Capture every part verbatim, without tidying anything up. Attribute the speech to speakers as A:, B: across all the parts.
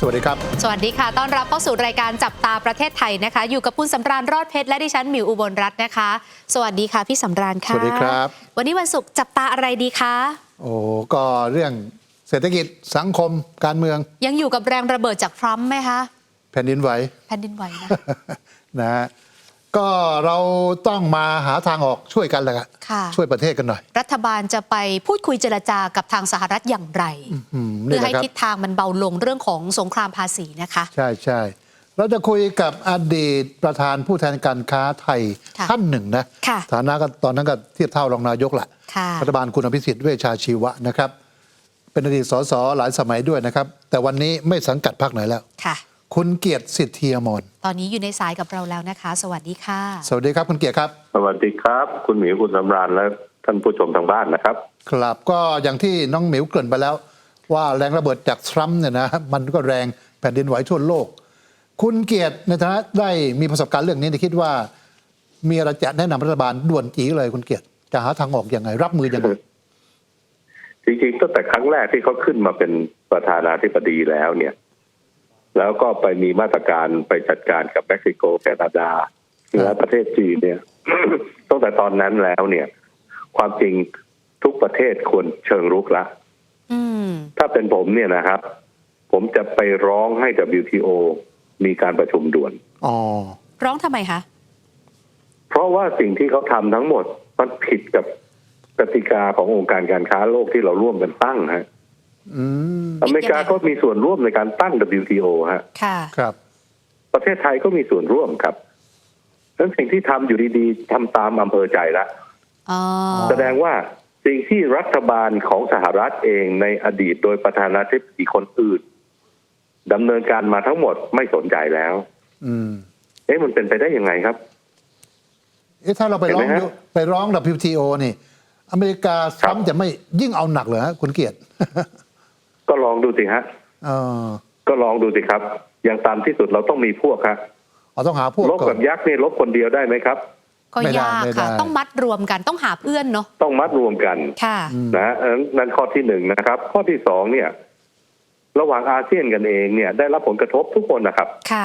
A: สวัสดีครับ
B: สวัสดีค่ะต้อนรับเข้าสู่รายการจับตาประเทศไทยนะคะอยู่กับคุณสำราญรอดเพชรและดิฉันหมิวอุบลรัตน์นะคะสวัสดีค่ะพี่สำราญค่ะ
A: สวัสดีครับ
B: วันนี้วันศุกร์จับตาอะไรดีคะ
A: โอ้ก็เรื่องเศรษฐกิจสังคมการเมือง
B: ยังอยู่กับแรงระเบิดจากทรัมป์ไหมคะ
A: แผ่นดินไหว
B: แผ่นดินไหวนะ
A: นะฮะก็เราต้องมาหาทางออกช่วยกันแหละช่วยประเทศกันหน่อย
B: รัฐบาลจะไปพูดคุยเจรจากับทางสหรัฐอย่างไรเพื่อให้ทิศทางมันเบาลงเรื่องของสงครามภาษีนะคะ
A: ใช่ใช่เราจะคุยกับอดีตประธานผู้แทนการค้าไทยท่านหนึ่งนะฐานะก็ตอนนั้นก็เทียบเท่ารองนายกแหละรัฐบาลคุณอภิสิทธิ์เวชชาชีวะนะครับเป็นอดีตสสหลายสมัยด้วยนะครับแต่วันนี้ไม่สังกัดพรรคไหนแล้วคุณเกียรติสิทธิอมร
B: ตอนนี้อยู่ในสายกับเราแล้วนะคะสวัสดีค่ะ
A: สวัสดีครับคุณเกียรติครับ
C: สวัสดีครับคุณหมิวคุณสำราญและท่านผู้ชมทางบ้านนะครับ
A: ครับก็อย่างที่น้องหมิวเกริ่นไปแล้วว่าแรงระเบิดจากทรัมป์เนี่ยนะมันก็แรงแผ่นดินไหวทั่วโลกคุณเกียรติในฐานะได้มีประสบการณ์เรื่องนี้คิดว่ามีอะไรจะแนะนำรัฐบาลด่วนจีเลยคุณเกียรติจะหาทางออกยังไงรับมือยังไง
C: จริงๆตั้งแต่ครั้งแรกที่เขาขึ้นมาเป็นประธานาธิบดีแล้วเนี่ยแล้วก็ไปมีมาตรการไปจัดการกับเม็กซิโกแคนาดาและประเทศจีนเนี่ย ตั้งแต่ตอนนั้นแล้วเนี่ยความจริงทุกประเทศควรเชิงรุกละถ้าเป็นผมเนี่ยนะครับผมจะไปร้องให้ ดับเบิลยู ที โอ มีการประชุมด่วน
A: อ๋อ
B: ร้องทำไมคะ
C: เพราะว่าสิ่งที่เขาทำทั้งหมดมันผิดกับกติกาขององค์การการค้าโลกที่เราร่วมกันตั้งฮะอเมริกาก็มีส่วนร่วมในการตั้ง ดับเบิลยู ที โอ ฮะ
B: ค่ะ
A: ครับ
C: ประเทศไทยก็มีส่วนร่วมครับดังนั้นสิ่งที่ทำอยู่ดีๆทำตามอำเภอใจละแสดงว่าสิ่งที่รัฐบาลของสหรัฐเองในอดีตโดยประธานาธิบดีคนอื่นดำเนินการมาทั้งหมดไม่สนใจแล้ว
A: อืม
C: เอ๊ะมันเป็นไปได้ยังไงครับ
A: เอ๊ะถ้าเราไปร้องไปร้อง ดับเบิลยู ที โอ นี่อเมริกาทรัมป์จะไม่ยิ่งเอาหนักเหรอฮะคุณเกียรติ
C: ก็ลองดูสิฮะก็ลองดูสิครับอย่างตามที่สุดเราต้องมีพวกครับ
A: เราต้องหาพวก
C: ลบกับยักษ์นี่ลบคนเดียวได้ไหมครับ
B: ก็ยากค่ะต้องมัดรวมกันต้องหาเพื่อนเนาะ
C: ต้องมัดรวมกัน
B: ค่ะ
C: นะนั่นข้อที่หนึ่งนะครับข้อที่สองเนี่ยระหว่างอาเซียนกันเองเนี่ยได้รับผลกระทบทุกคนนะครับ
B: ค่ะ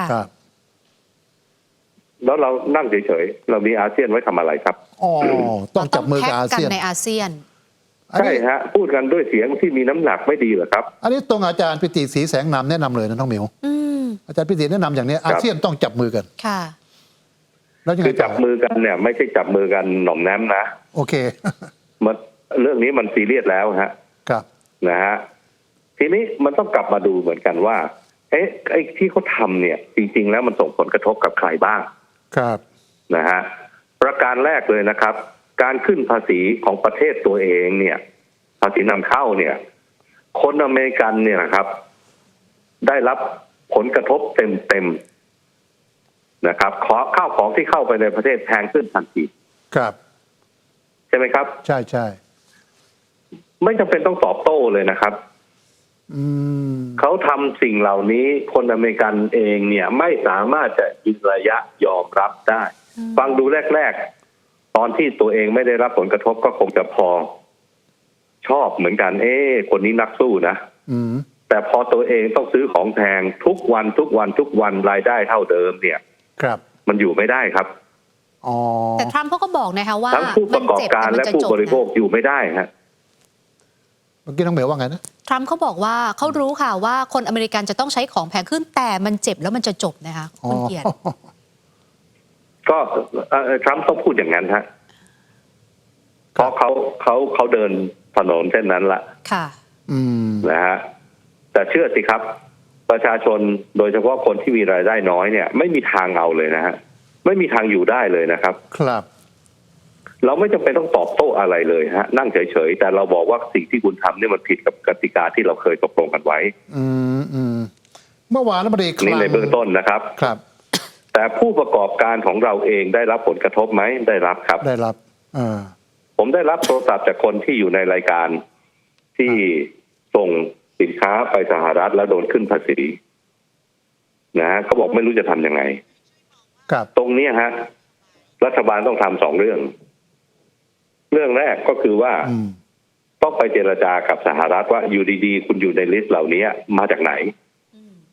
C: แล้วเรานั่งเฉยๆเรามีอาเซียนไว้ทำอะไรครับ
A: อ๋อต้องจับมือกับอาเซียน
B: ในอาเซียน
C: ใช่ฮะพูดกันด้วยเสียงที่มีน้ำหนักไม่ดีเหรอครับ
A: อันนี้ตรงอาจารย์ปิติศรีแสงนามแนะนำเลยนะน้องหมิวอาจารย์ปิติแนะนำอย่างนี้อาเซียนต้องจับมือกัน
B: ค่ะ
C: แล้วคือจับมือกันเนี่ยไม่ใช่จับมือกันหน่อมแนมนะ
A: โอเค
C: มันเรื่องนี้มันซีเรียสแล้วฮะ
A: ครับ
C: นะฮะทีนี้มันต้องกลับมาดูเหมือนกันว่าเอ๊ะไอ้ที่เขาทำเนี่ยจริงๆแล้วมันส่งผลกระทบกับใครบ้าง
A: ครับ
C: นะฮะประการแรกเลยนะครับการขึ้นภาษีของประเทศตัวเองเนี่ยภาษีนำเข้าเนี่ยคนอเมริกันเนี่ยนะครับได้รับผลกระทบเต็มๆนะครับขอข้าวของที่เข้าไปในประเทศแพงขึ้นทันที
A: ครับ
C: ใช่ไหมครับ
A: ใช่ใช่
C: ไม่จำเป็นต้องตอบโต้เลยนะครับเขาทำสิ่งเหล่านี้คนอเมริกันเองเนี่ยไม่สามารถจะยืนระยะยอมรับได้ฟังดูแรกๆตอนที่ตัวเองไม่ได้รับผลกระทบก็คงจะพอชอบเหมือนกันเอ๊ะคนนี้นักสู้นะแต่พอตัวเองต้องซื้อของแพงทุกวันทุกวันทุกวันรายได้เท่าเดิมเนี่ย
A: ครับ
C: มันอยู่ไม่ได้ครับ
B: แต่ทรัมป์เขาก็บอกนะคะว่า
C: ทั้งผู้ประกอบการและผู้บริโภคอยู่ไม่ได้ฮะ
A: เมื่อกี้น้องเหมียวว่าไงนะ
B: ทรัมป์เขาบอกว่าเขารู้ค่ะว่าคนอเมริกันจะต้องใช้ของแพงขึ้นแต่มันเจ็บแล้วมันจะจบนะคะคุณเกียรติ
C: ก็ทรัมป์ต้องพูดอย่างนั้นฮะเพราะเขาเขาเขาเดินถนนเส้นนั้นละ
B: ค่ะ
C: นะฮะแต่เชื่อสิครับประชาชนโดยเฉพาะคนที่มีรายได้น้อยเนี่ยไม่มีทางเอาเลยนะฮะไม่มีทางอยู่ได้เลยนะครับ
A: ครับ
C: เราไม่จำเป็นต้องตอบโต้อะไรเลยฮะนั่งเฉยๆแต่เราบอกว่าสิ่งที่คุณทำเนี่ยมันผิดกับกติกาที่เราเคยตกลงกันไว้
A: อืมอืมเมื่อวานรัฐมนตรีคลัง
C: นี่ในเบื้องต้นนะครับ
A: ครับ
C: แต่ผู้ประกอบการของเราเองได้รับผลกระทบไหมได้รับครับ
A: ได้รับอ่า
C: ผมได้รับโทรศัพท์จากคนที่อยู่ในรายการที่ส่งสินค้าไปสหรัฐแล้วโดนขึ้นภาษีนะเขาบอกไม่รู้จะทำยังไงตรงนี้ฮะรัฐบาลต้องทำสองเรื่องเรื่องแรกก็คือว่าต้องไปเจรจากับสหรัฐว่าอยู่ดีๆคุณอยู่ในลิสต์เหล่านี้มาจากไหน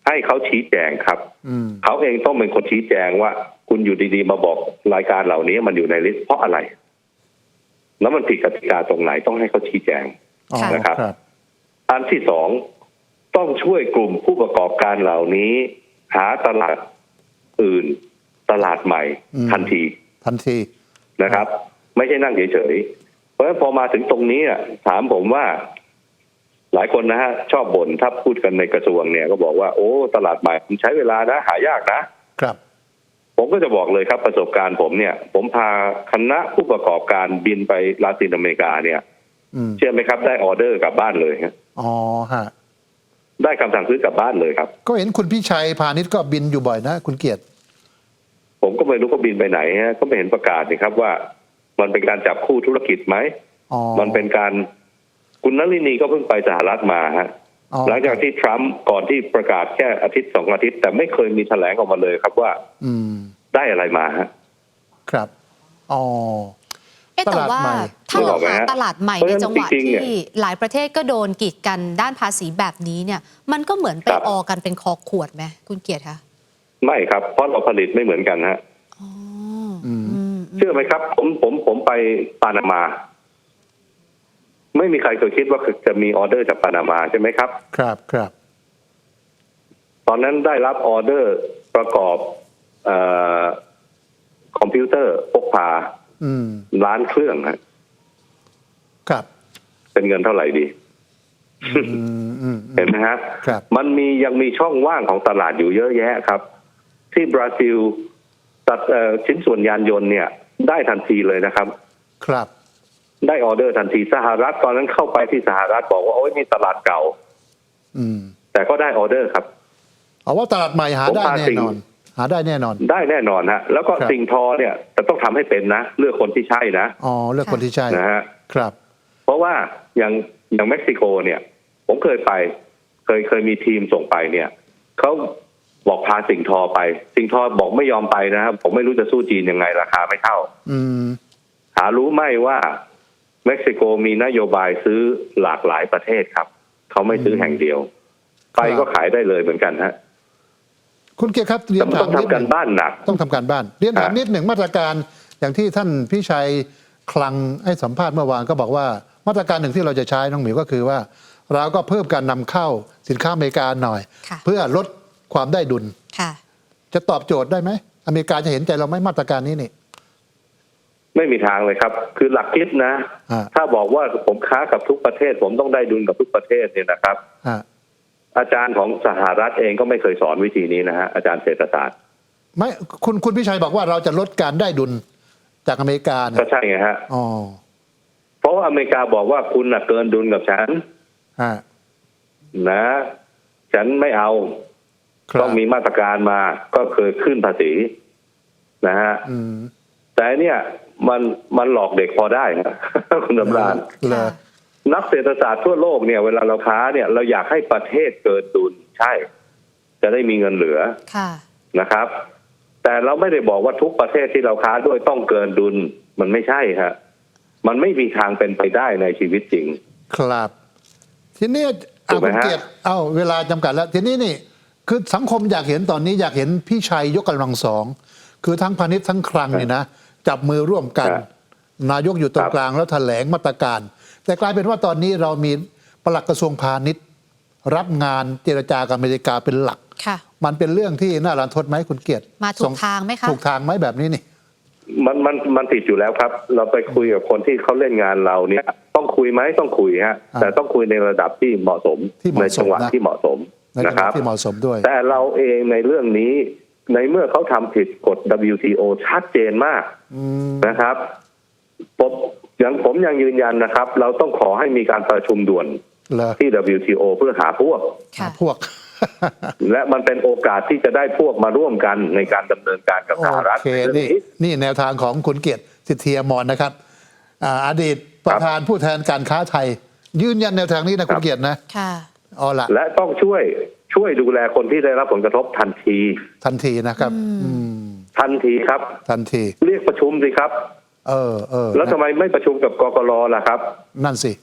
C: ให้เขาชี้แจงครับ
A: อืม
C: เขาเองต้องเป็นคนชี้แจงว่า คุณอยู่ดีๆมาบอกรายการเหล่านี้มันอยู่ในลิสต์เพราะอะไร แล้วมันผิดกติกาตรงไหนต้องให้เขาชี้แจง
A: อ๋อ
C: นะครับ
A: ครับ
C: อันที่สองต้องช่วยกลุ่มผู้ประกอบการเหล่านี้ หาตลาดอื่น ตลาดใหม่
A: อืม
C: ทันที
A: ทันที
C: นะครับ ไม่ใช่นั่งเฉยๆเพราะฉะนั้นพอมาถึงตรงนี้อ่ะถามผมว่า หลายคนนะฮะชอบบ่นถ้าพูดกันในกระทรวงเนี่ยก็บอกว่าโอ้ตลาดใหม่มันใช้เวลานะหายากนะ
A: ครับ
C: ผมก็จะบอกเลยครับประสบการณ์ผมเนี่ย ผมพาคณะผู้ประกอบการบินไปลาตินอเมริกาเนี่ย
A: อืม
C: เชื่อไหมครับได้ออเดอร์กลับบ้านเลยฮะ
A: อ๋อฮะ
C: ได้คำสั่งซื้อกลับบ้านเลยครับ
A: ก็เห็นคุณพี่ชัยพาณิชย์ก็บินอยู่บ่อยนะคุณเกียรติ
C: ผมก็ไม่รู้เขาบินไปไหนฮะก็ไม่เห็นประกาศนี่ครับว่า มันเป็นการจับคู่ธุรกิจไหม
A: อ๋อ
C: มันเป็นการคุณนลินีก็เพิ่งไปสหรัฐมาฮะ
A: อ๋อ
C: หลังจากที่ทรัมป์ก่อนที่ประกาศแค่อาทิตย์สองอาทิตย์แต่ไม่เคยมีแถลงออกมาเลยครับว่า
A: อืม
C: ได้อะไรมาฮะ
A: ครับ อ๋อ
B: เอ๊ะแต่ว่า
A: ตลาดใหม่
B: ถ้าเรา
C: นึกออกไหม
B: หา
C: ฮะ
B: ตลาดใหม่
C: เพราะ
B: ใน
C: ฉะนั้น
B: จังหวะ
C: จริงๆเนี่ย
B: ที่หลายประเทศก็โดนกีดกันด้านภาษีแบบนี้เนี่ย มันก็เหมือนไป
C: ครับ
B: ออกันเป็นคอขวดไหมคุณเกียรติคะ
C: ไม่ครับเพราะเราผลิตไม่เหมือนกันฮะ
B: อ๋อ
A: อืม
B: อืม
C: เชื่อไหมครับ ผมผมผมไปปานามา ไม่มีใครเคยคิดว่าจะมีออเดอร์จากปานามาใช่ไหมครับ
A: ครับครับ
C: ตอนนั้นได้รับออเดอร์ประกอบเออคอมพิวเตอร์พกพา
A: อืม
C: ล้านเครื่องฮะ
A: ครับ
C: เป็นเงินเท่าไหร่ดี
A: อืมอืมอืม
C: เห็นไหมฮะ
A: ครับ
C: มันมียังมีช่องว่างของตลาดอยู่เยอะแยะครับ ที่บราซิลตัดเอ่อชิ้นส่วนยานยนต์เนี่ย ได้ทันทีเลยนะครับ
A: ครับ
C: ได้ออเดอร์ทันทีสหรัฐตอนนั้นเข้าไปที่สหรัฐบอกว่าโอ้ยมีตลาดเก่า
A: อืม
C: แต่ก็ได้ออเดอร์ครับ
A: เอาว่าตลาดใหม่หา
C: ผม
A: ได้
C: พา
A: แน่
C: สิ่ง
A: นอน หาได้แน่นอน
C: ได้แน่นอนฮะแล้วก็
A: ครับ
C: สิ่งทอเนี่ยแต่ต้องทำให้เป็นนะเลือกคนที่ใช่นะ
A: อ๋อเลือกคนที่ใช่
C: นะฮะ
A: ครับ
C: เพราะว่าอย่างอย่างเม็กซิโกเนี่ย ผมเคยไป เคยเคยมีทีมส่งไปเนี่ยเขาบอกพาสิ่งทอไป สิ่งทอบอกไม่ยอมไปนะครับผมไม่รู้จะสู้จีนยังไงราคาไม่เท่า
A: อืม
C: หารู้ไหมว่าเม็กซิโกมีนโยบายซื้อหลากหลายประเทศครับเขาไม่ซื้อแห่งเดียว ไปก็ขายได้เลยเหมือนกันฮะ
A: คุณเกียรติครับเรีย
C: แต่
A: น
C: มัน
A: ถา
C: ต้
A: ม
C: อง
A: นิด
C: ทำ
A: ห
C: กั
A: นึ่
C: น
A: ง
C: บ้านหนัก
A: ต้องทำการบ้านเรียนถาม
C: อ่ะ
A: นิดหนึ่งมาตรการอย่างที่ท่านพี่ชัยคลังให้สัมภาษณ์เมื่อวานก็บอกว่ามาตรการหนึ่งที่เราจะใช้น้องหมิวก็คือว่า เราก็เพิ่มการนำเข้าสินค้าอเมริกาหน่อย
B: ค่ะ
A: เพื่อลดความได้ดุล
B: ค่ะ
A: จะตอบโจทย์ได้ไหมอเมริกาจะเห็นใจเราไหมมาตรการนี้นี่
C: ไม่มีทางเลยครับ คือหลักคิดนะ
A: อ่า
C: ถ้าบอกว่าผมค้ากับทุกประเทศ ผมต้องได้ดุลกับทุกประเทศเนี่ยนะครับ
A: ฮะ
C: อาจารย์ของสหรัฐเองก็ไม่เคยสอนวิธีนี้นะฮะอาจารย์เศรษฐศาสตร์
A: ไม่คุณคุณพี่ชัยบอกว่าเราจะลดการได้ดุลจากอเมริกา
C: ก็
A: เนี่ย
C: ใช่ไงฮะ
A: อ๋อ
C: เพราะว่าอเมริกาบอกว่าคุณน่ะเกินดุลกับฉัน
A: ฮะ
C: นะ ฉันไม่เอา
A: ครับ
C: ต้องมีมาตรการมาก็เคยขึ้นภาษีนะฮะ
A: อืม
C: แต่เนี่ยมันมันหลอกเด็กพอได้นะ คุณดำราน
A: เลย
C: นักเศรษฐศาสตร์ทั่วโลกเนี่ยเวลาเราค้าเนี่ยเราอยากให้ประเทศเกินดุลใช่ จะได้มีเงินเหลือ
B: ค่ะ
C: นะครับ แต่เราไม่ได้บอกว่าทุกประเทศที่เราค้าด้วยต้องเกินดุลมันไม่ใช่ฮะมันไม่มีทางเป็นไปได้ในชีวิตจริง
A: ครับ ทีนี้
C: ถู
A: เอา
C: กไหม
A: คุณ
C: ฮะ
A: เกียรติเอาเวลาจำกัดแล้ว ทีนี้นี่คือสังคมอยากเห็นตอนนี้อยากเห็นพี่ชัยยกกำลังสอง คือทั้งพาณิชย์ทั้งคลังนี่นะ จับมือร่วมกัน นายกอยู่ตรงกลางแล้วแถลงมาตรการ แต่กลายเป็นว่าตอนนี้เรามีปลัดกระทรวงพาณิชย์ รับงานเจรจากับอเมริกาเป็นหลัก
B: ค่ะ
A: มันเป็นเรื่องที่น่ารันทดไหมคุณเกียรติ
B: มาถูกทางไหมคะ
A: ถูกทางไหมแบบนี้นี่
C: มันมันมันติดอยู่แล้วครับ เราไปคุยกับคนที่เขาเล่นงานเราเนี่ย ต้องคุยไหมต้องคุยฮะ
A: อ่า
C: แต่ต้องคุยในระดับที่เหมาะสม
A: ที่เหมาะ
C: ในจังหวะ
A: สมนะ
C: ที่เหมาะสม
A: ในจั
C: นะ
A: งห
C: ครั
A: วะ
C: บ
A: ที่เหมาะสมด้วย
C: แต่เราเองในเรื่องนี้ในเมื่อเขาทำผิดกฎ ดับเบิลยู ที โอ ชัดเจนมาก
A: อืม
C: นะครับผมอย่างผมยังยืนยันนะครับ เราต้องขอให้มีการประชุมด่วน
A: เหรอ
C: ที่ ดับเบิลยู ที โอ เพื่อหาพวก
B: ค่ะ
A: พวก
C: และมันเป็นโอกาสที่จะได้พวกมาร่วมกันในการดำเนินการกับสหรัฐ
A: โอเค
C: ในเรื่อง
A: นี่
C: นี้
A: นี่แนวทางของคุณเกียรติสิทธิอมรนะครับอ่าอดีตประธานผู้แทนการค้าไทย ยืนยันแนวทางนี้นะคุณเกียรตินะ
B: ค่ะ
A: เอาละ
C: และต้องช่วยช่วยดูแลคนที่ได้รับผลกระทบทันที
A: ทันทีนะครับ อืม
C: ทันทีครับ
A: ทันที
C: เรียกประชุมสิครับ
A: เออเออ
C: แล้วทำไมไม่ประชุมกับกกรล่ะครับ
A: นั่นสิ
B: อ่ะ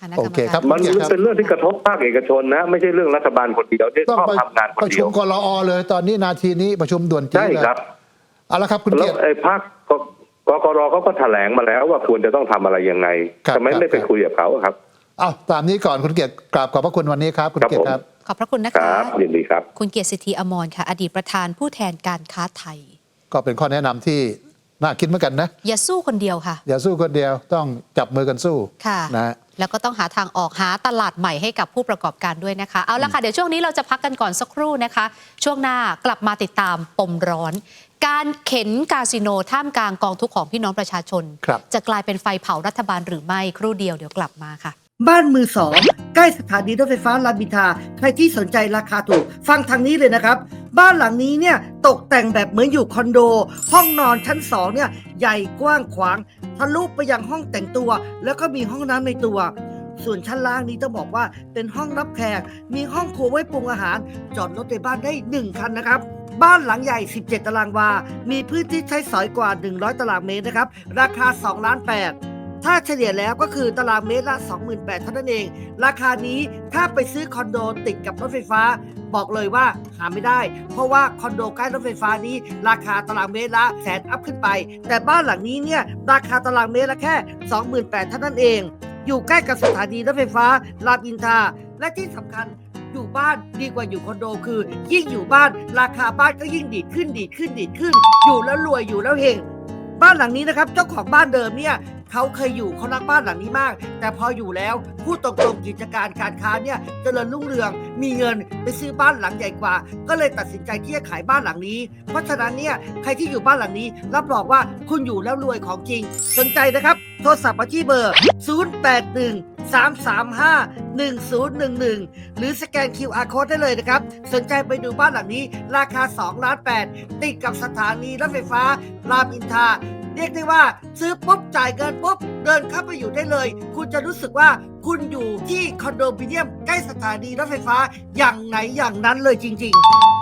B: คณะกร
A: โอ
B: รม
A: เคครั
B: กา
A: บ
B: ร
C: มันเป็นเรื่องที่กระทบภาคเอกชนนะ ไม่ใช่เรื่องรัฐบาลคนเดียวที่
A: ต้อง
C: ชอบ
A: ไป
C: ทำงานค
A: ป
C: น
A: ระ
C: เดี
A: ชุ
C: ย
A: ม
C: ว
A: กลอเลยตอนนี้นาทีนี้ประชุมด่วนจี
C: ใช่
A: เลย
C: ครับ
A: เอาละครับคุณ
C: แล้
A: เกี
C: วย
A: รติ
C: ไอ้ภาคกกกรเขาก็แถลงมาแล้วว่าควรจะต้องทำอะไรยังไง
A: ครับ
C: ทำไม
A: ครับ
C: ไม่ไปคุยกับเขาอะครับ
A: เอาตามนี้ก่อนคุณเกียรติกราบขอบพระคุณวันนี้ครับคุณ
C: ครับ
A: เกียรติ
C: ผม
A: ครับ
B: ขอบพระคุณนะ
C: ค
B: คะ
C: รับยินดีครับ
B: คุณเกียรติสิทธิอมรค่ะ อดีตประธานผู้แทนการค้าไทย
A: ก็เป็นข้อแนะนำที่น่าคิดเหมือนกันนะ
B: อย่าสู้คนเดียวค่ะ
A: อย่าสู้คนเดียวต้องจับมือกันสู้
B: ค่ะ
A: นะฮะ
B: แล้วก็ต้องหาทางออกหาตลาดใหม่ให้กับผู้ประกอบการด้วยนะคะ เอาละค่ะ เดี๋ยวช่วงนี้เราจะพักกันก่อนสักครู่นะคะ ช่วงหน้ากลับมาติดตามปมร้อน การเข็นคาสิโนท่ามกลางกองทุกข์ของพี่น้องประชาชน
A: ครับ
B: จะกลายเป็นไฟเผารัฐบาลหรือไม่ครู่เดียวเดี๋ยวกลับมาค่ะ
D: บ้านมือสองใกล้สถานีรถไฟฟ้ารามอินทราใครที่สนใจราคาถูกฟังทางนี้เลยนะครับ บ้านหลังนี้เนี่ยตกแต่งแบบเหมือนอยู่คอนโด ห้องนอนชั้นสองเนี่ยใหญ่กว้างขวางทะลุไปยังห้องแต่งตัว แล้วก็มีห้องน้ำในตัว ส่วนชั้นล่างนี้ต้องบอกว่าเป็นห้องรับแขกมีห้องครัวไว้ปรุงอาหารจอดรถในบ้านได้หนึ่งคันนะครับบ้านหลังใหญ่สิบเจ็ดตารางวามีพื้นที่ใช้สอยกว่าหนึ่งร้อยตารางเมตรนะครับราคาสองล้านแปดถ้าเฉลี่ยแล้วก็คือตารางเมตรละ สองหมื่นแปดพัน เท่านั้นเอง ราคานี้ถ้าไปซื้อคอนโดติดกับรถไฟฟ้า บอกเลยว่าหาไม่ได้ เพราะว่าคอนโดใกล้รถไฟฟ้านี้ราคาตารางเมตรละแสนอัพขึ้นไป แต่บ้านหลังนี้เนี่ยราคาตารางเมตรละแค่ สองหมื่นแปดพัน เท่านั้นเอง อยู่ใกล้กับสถานีรถไฟฟ้ารามอินทราและที่สำคัญอยู่บ้านดีกว่าอยู่คอนโดคือ ยิ่งอยู่บ้านราคาบ้านก็ยิ่งดีดขึ้นดีดขึ้นดีดขึ้น อยู่แล้วรวยอยู่แล้วเฮงบ้านหลังนี้นะครับเจ้าของบ้านเดิมเนี่ยเขาเคยอยู่เขารักบ้านหลังนี้มาก แต่พออยู่แล้วพูดตรงๆกิจการการค้าเนี่ยเจริญรุ่งเรืองมีเงินไปซื้อบ้านหลังใหญ่กว่า ก็เลยตัดสินใจที่จะขายบ้านหลังนี้ เพราะฉะนั้นเนี่ยใครที่อยู่บ้านหลังนี้รับรองว่าคุณอยู่แล้วรวยของจริงสนใจนะครับโทรศัพท์มาที่เบอร์ ศูนย์ แปด หนึ่ง สาม สาม ห้า หนึ่ง ศูนย์ หนึ่ง หนึ่ง หรือสแกน คิว อาร์ Code ได้เลยนะครับสนใจไปดูบ้านหลังนี้ราคาสองล้านแปดติดกับสถานีรถไฟฟ้ารามอินทราเรียกได้ว่าซื้อปุ๊บจ่ายเงินปุ๊บเดินเข้าไปอยู่ได้เลยคุณจะรู้สึกว่าคุณอยู่ที่คอนโดมิเนียมใกล้สถานีรถไฟฟ้าอย่างไหนอย่างนั้นเลยจริงๆ